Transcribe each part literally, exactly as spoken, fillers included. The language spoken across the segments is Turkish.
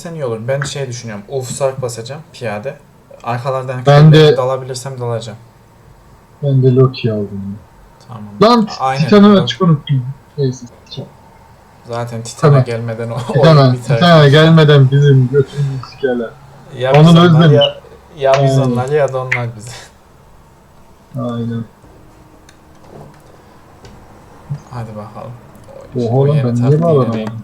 alabilirsen iyi olur. Ben şey düşünüyorum. Ulf Sark basacağım piyade. Arkalardan Ben de- dalabilirsem dalacağım. Ben de Loki aldım. Tamam. Lan Aynen. Titan'ı Bak, açık unuttum. Neyse. zaten Titan'a Tamam. gelmeden o oyun Titan'a, biter. Titan'a gelmeden bizim götümüzü sikerler. Ya Onun biz onlar özlemiş. ya, ya biz Aynen. onlar ya da onlar bizi. Aynen. Hadi bakalım. Oha O lan yeni ben niye taktiği bağlanamadım? deneyim.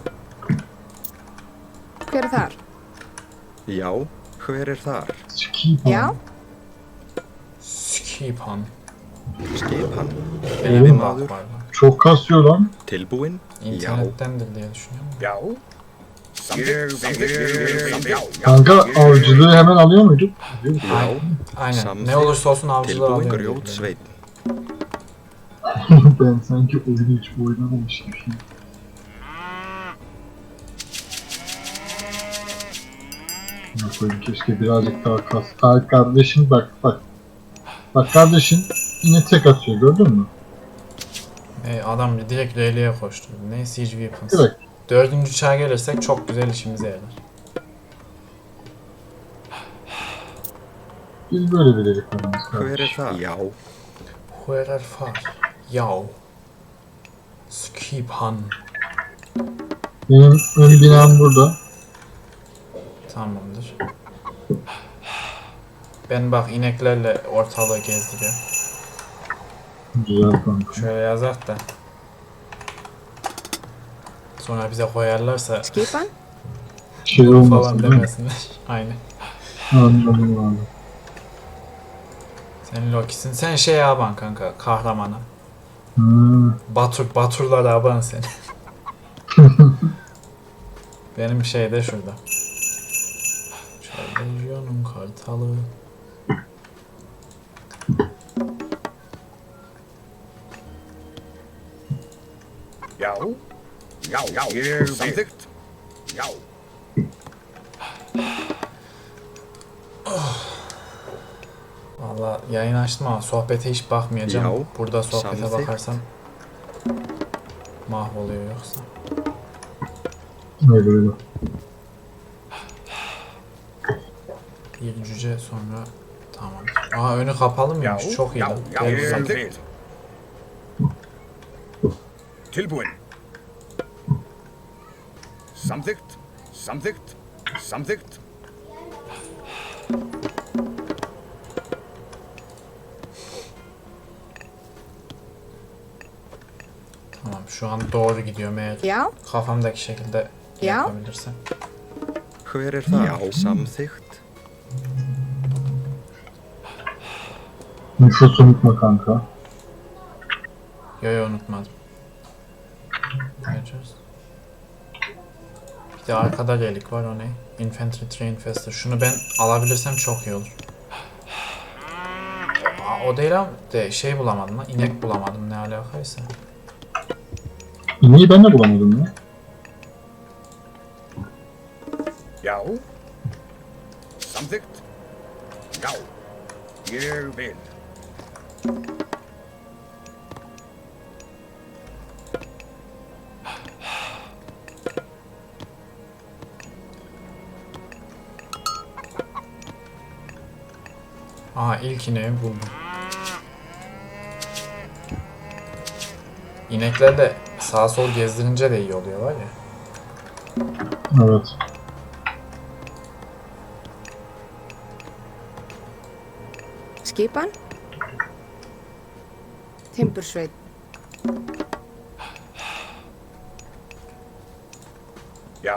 Hver er þar? Já, hver er þar? Sikiyim. Já, Skipan. Skipan. Benim Oğlum. bak var lan. Çok kasıyor lan. Tilbúin? Já. İnternettendir diye düşünüyorum. Já. Kanka avcılığı hemen alıyor muyduk? Alıyor. Já. Aynen. Samþykkt. Ne olursa olsun avcılığı Tilbúin alıyor. diye grjótsveinn. Ben sanki oyunu hiç oynamamış gibi. Ne koyayım keşke birazcık daha kas. Ay kardeşim bak bak. Bak kardeşin yine tek atıyor gördün mü? E, adam direkt R'liye koştu. Ne Siege Weapons. Direkt. Dördüncü çağa gelirsek çok güzel işimize yarar. Biz böyle bir delikanlıyız Hver er kardeşim. þar? Já. Huerer far. Yav. Skipan. Benim ön binam burada. Tamamdır. Ben bak ineklerle ortalığı gezdiriyorum. Güzel kanka. Şöyle yazak da. Sonra bize koyarlarsa skipan? Şey falan olmasın değil mi? demesinler. Aynen. Anladım abi. Sen Loki'sin. Sen şey aban kanka. Kahramana. Hmm. Batur, Baturlar aban sen. Benim şey de şurada. Lezyonun kartalı. Já. Já, já. Ég samþykkt. Já. Valla yayın açtım ama sohbete hiç bakmayacağım. Yahu, Burada sohbete samþykkt. bakarsam mahvoluyor yoksa. Öyle öyle. Bir cüce sonra tamam. Aa önü kapalı mıymış? Já. Çok iyi Já, lan. já. Gel Ég bakalım. samþykkt. Tilbúin. Samþykkt. Samþykkt. Samþykkt. Tamam şu an doğru gidiyorum eğer Já, kafamdaki şekilde Ya. yapabilirsem. Hver er þar? Já. Samþykkt. Nüfus unutma kanka. Yo yo unutmadım. Vereceğiz. Bir de arkada relik var o ne? Infantry Train Faster. Şunu ben alabilirsem çok iyi olur. Aa, o değil ama de şey bulamadım lan. İnek bulamadım ne alakaysa. İneği ben de bulamadım ya. Já. Samþykkt. Já. Ég vil. Aha ilk ineği buldum. İnekler de sağa sol gezdirince de iyi oluyor var ya. Evet. skipan? Timbursveit. Já.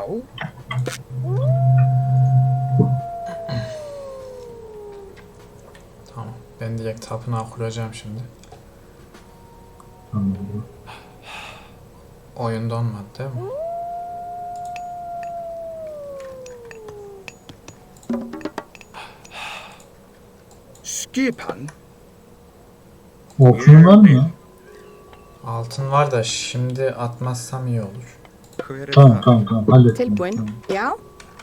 Tamam. Ben direkt tapınağı kuracağım şimdi. Anladım. Oyun donmadı değil mi? Skipan. Okuyun var mı ya? Altın var da şimdi atmazsam iyi olur. Hver er Tamam þar? tamam tamam hallettim. Tilbúin? Tamam. Já,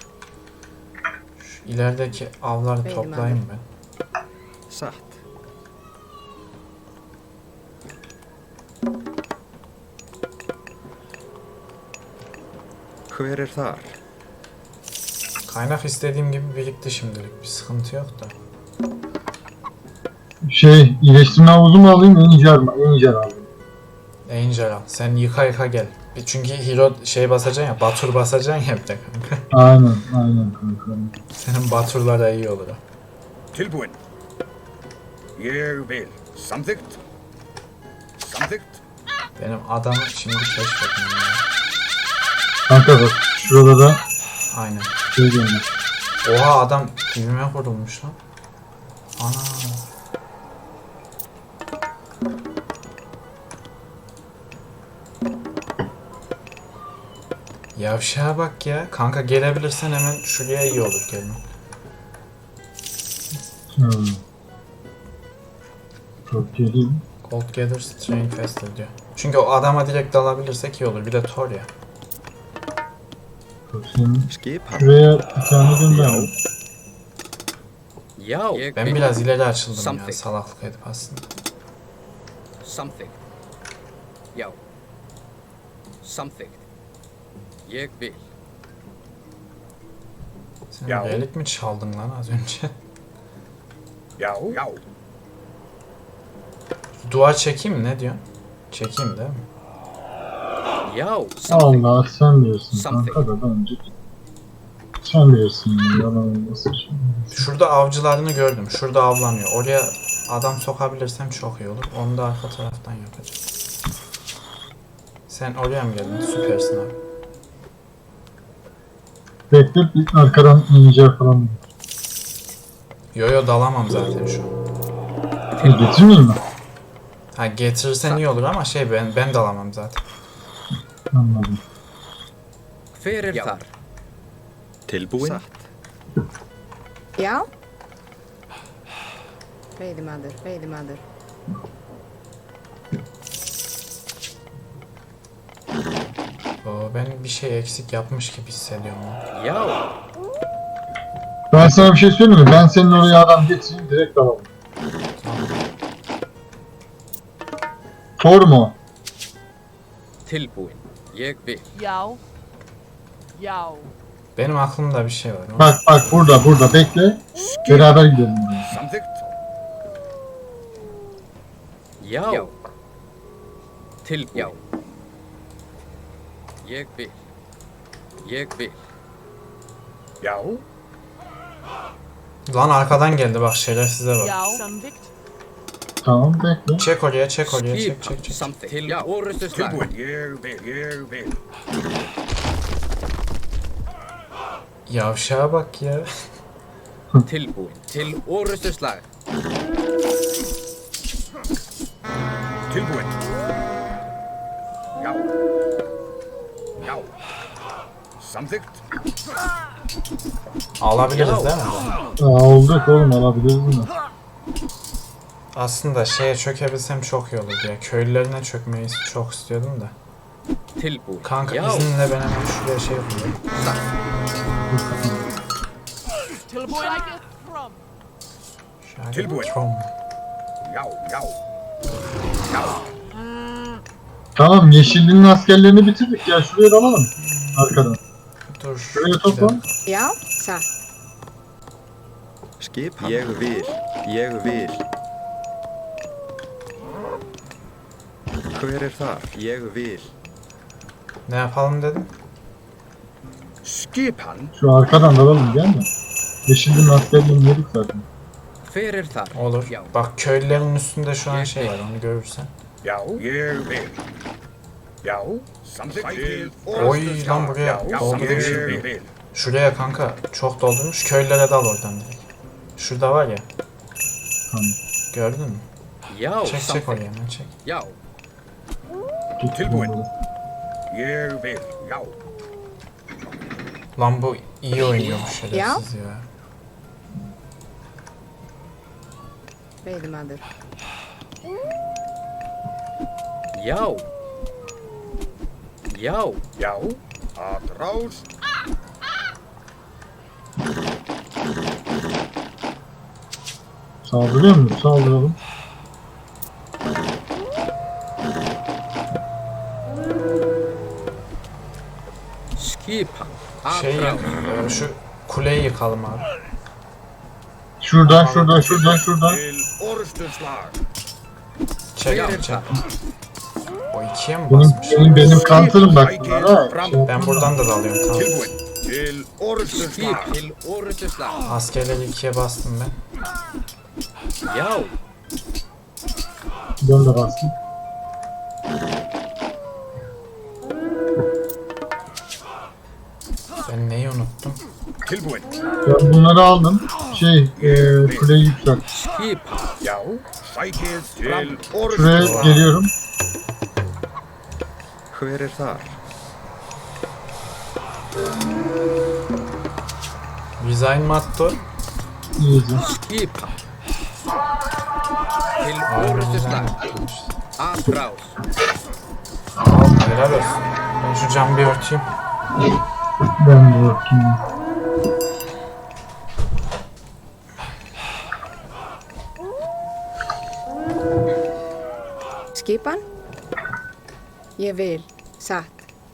Şu ilerideki avları Benim toplayayım ben. Satt. Hver er þar? Kaynak istediğim gibi birikti şimdilik. Bir sıkıntı yok da. Şey, iyileştirme havuzu mu alayım, Angel mi? Angel alayım. Angel al. Sen yıka yıka gel. Bir- Çünkü hero şey basacaksın ya, Batur basacaksın ya bir de kanka. Aynen, aynen kanka. Senin Batur'lara iyi olur o. Tilbúin. Ég vil. Samþykkt. Samþykkt. Benim adamı şimdi keşfetmem ya. Kanka bak, şurada da Aynen. şey diyorlar. Oha adam dibime vurulmuş lan. Ana. Yavşağa bak ya. Kanka gelebilirsen hemen şuraya iyi olur gelme. Hmm. Çok geleyim. Gold gather strain faster diyor. Çünkü o adama direkt dalabilirsek iyi olur. Bir de Thor ya. Bak senin Skipan. şuraya bir tane gönderdim. Já. Ég Ben vil. biraz ileri açıldım ya. Something. Salaklık edip aslında. Samþykkt. Já. Samþykkt. Ég vil. Sen Ya. relik mi çaldın lan az önce? Já. Já. Duvar çekeyim mi? Ne diyorsun? Çekeyim değil mi? Já. Samþykkt. Allah sen diyorsun Something. kanka da bence. Sen bilirsin ya, yalan olmasın şimdi. Şurada avcılarını gördüm. Şurada avlanıyor. Oraya adam sokabilirsem çok iyi olur. Onu da arka taraftan yapacağım. Sen oraya mı geldin? Süpersin abi. Bekle bir arkadan ince falan. Yo yo dalamam zaten şu an. E, getirmeyeyim mi? Ha getirirsen iyi olur ama şey ben ben dalamam zaten. Anladım. Hver er þar? Tilbúin. Satt. Já? Veiðimaður, veiðimaður. Oo, ben bir şey eksik yapmış gibi hissediyorum lan. Já. Ben sana bir şey söyleyeyim mi? Ben senin oraya adam getireyim, direkt alalım. Thor mu? o? Tilbúin. Ég vil. Já. Já. Benim aklımda bir şey var. Bak bak burada burada bekle. Beraber gidelim buraya. Samþykkt. Já. Tilbúin. Já. Ég vil. Ég vil. Já. Lan arkadan geldi bak şerefsize bak. Já. Samþykkt. Tamam bekle. Çek oraya çek oraya çek Skipan. çek çek. Samþykkt. Til orustu slag. Tilbúin. Ég vil. Ég vil. Yavşağa bak ya. Tilbúin. Til orustu slag. Tilbúin. Já. Já. Samþykkt. Alabiliriz değil mi? Aa, olduk oğlum, alabiliriz mi? Aslında şeye çökebilsem çok iyi olurdu ya. Köylülerine çökmeyi çok istiyordum da. Tilbúin. Kanka Já. izninle ben hemen şuraya şey yapayım. Tilbúin. Sækið fram. Şöyle Tilbúin. Tom. Já. Já. Já. Tamam, yeşilliğin askerlerini bitirdik ya, şuraya da alalım. Arkadan. Dur. Şuraya bir topla. dakika. Já, satt. Skipan. Ég vil. Ég vil. Hver er þar? Ég vil. Ne yapalım dedim. Skipan. Şu arkadan da alalım, gel mi? Yeşilliğin askerlerini yedik zaten. Hver er þar? Olur. Já. Bak köylülerin üstünde şu an şey var onu görürsen. Já. Ég vil. Já. Samþykkt. Til Oy lan buraya Já. doldurmuş. Ég vil. Şuraya kanka çok doldurmuş. Köylülere dal oradan direkt. Şurada var ya. Tamam. Gördün mü? Já. Çek çek oraya hemen çek. Já. Getir Tilbúin. bunları. Ég vil. Já. Lan bu iyi oynuyormuş şerefsiz ya. Veiðimaður. Já. Já. Já. Atrás. Saldırıyor muyuz? Saldıralım. Skipan. Şey Atrás. e, şu kuleyi yıkalım abi. Şuradan şuradan şuradan şuradan. Til Orstedslag. Çek abi çek. O ikiye mi Benim basmış? benim, benim counter'ım bak bunlara. Şey, Ben buradan da dalıyorum tamam. Tilbúin. Til Orstedslag. Til Orustslag. Askerleri ikiye bastım ben. Já. ben de bastım. Ben neyi unuttum? Tilbúin. Ben bunları aldım. Şey, e, kuleyi yükselt. Skip. Já. Sækið til Şuraya Orstedslag. geliyorum. Hver er þar? Resign Matto. İyice. Skip. Til Aynen resign Orustslag. Matto'ymuş. Atraus. Al helal olsun. Ben şu camı bir örteyim. Ben de bakayım. Skipan? Ég vil. Satt.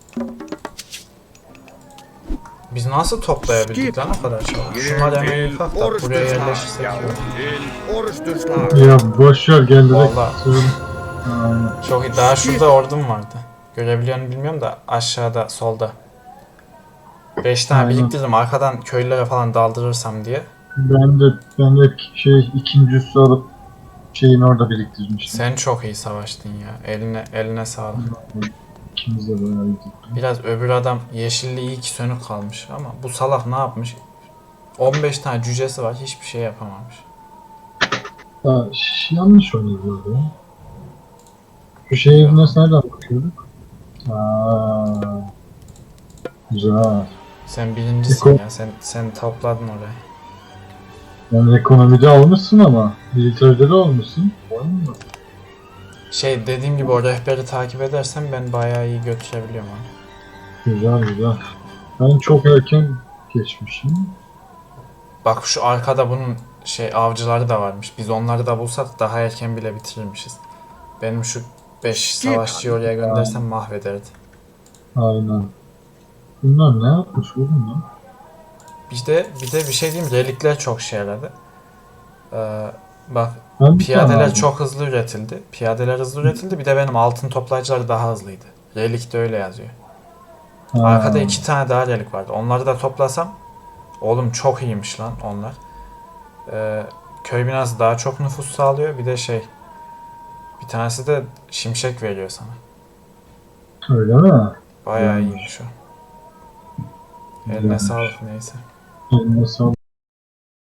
Biz nasıl toplayabildik lan o kadar şey? Şunlar hemen Til yıkak da buraya Orstedslag. yerleşirsek Já. iyi olur. Til Orstedslag. Ya boş ver gel direkt. Vallahi. Söyle. Aynen. Çok iyi. Daha şurada ordum vardı. Görebiliyor musun bilmiyorum da aşağıda solda. beş tane Aynen. biriktirdim arkadan köylülere falan daldırırsam diye. Ben de ben de şey ikinci üssü alıp şeyin orada biriktirmiştim. Sen çok iyi savaştın ya. Eline eline sağlık. İkimiz de böyle iyiydik. Biraz öbür adam yeşilli iyi ki sönük kalmış ama bu salak ne yapmış? on beş tane cücesi var hiçbir şey yapamamış. Ya, ş- yanlış oynuyor ya. Şu şehir nasıl nereden bakıyorduk? Aa, güzel. Sen birincisin Eko- ya. Sen sen topladın orayı. Yani ekonomide olmuşsun ama militeride de olmuşsun. Olmuyor. Şey dediğim gibi o rehberi takip edersen ben bayağı iyi götürebiliyorum onu. Güzel güzel. Ben çok erken geçmişim. Bak şu arkada bunun şey avcıları da varmış. Biz onları da bulsak daha erken bile bitirirmişiz. Benim şu beş savaşçıyı oraya göndersem mahvederdi. Aynen. Bunlar ne yapmış oğlum lan? Bir de bir de bir şey diyeyim relikler çok şey yaradı. Ee, bak Ben bir tane piyadeler aldım. çok hızlı üretildi. Piyadeler hızlı üretildi. Bir de benim altın toplayıcılar daha hızlıydı. Relik de öyle yazıyor. Ha, Arkada iki tane daha relik vardı. Onları da toplasam oğlum çok iyiymiş lan onlar. Ee, köy binası daha çok nüfus sağlıyor. Bir de şey bir tanesi de şimşek veriyor sana. Öyle mi? Bayağı Hmm. iyiymiş o. Eline Güzelmiş. sağlık neyse. Eline sağlık.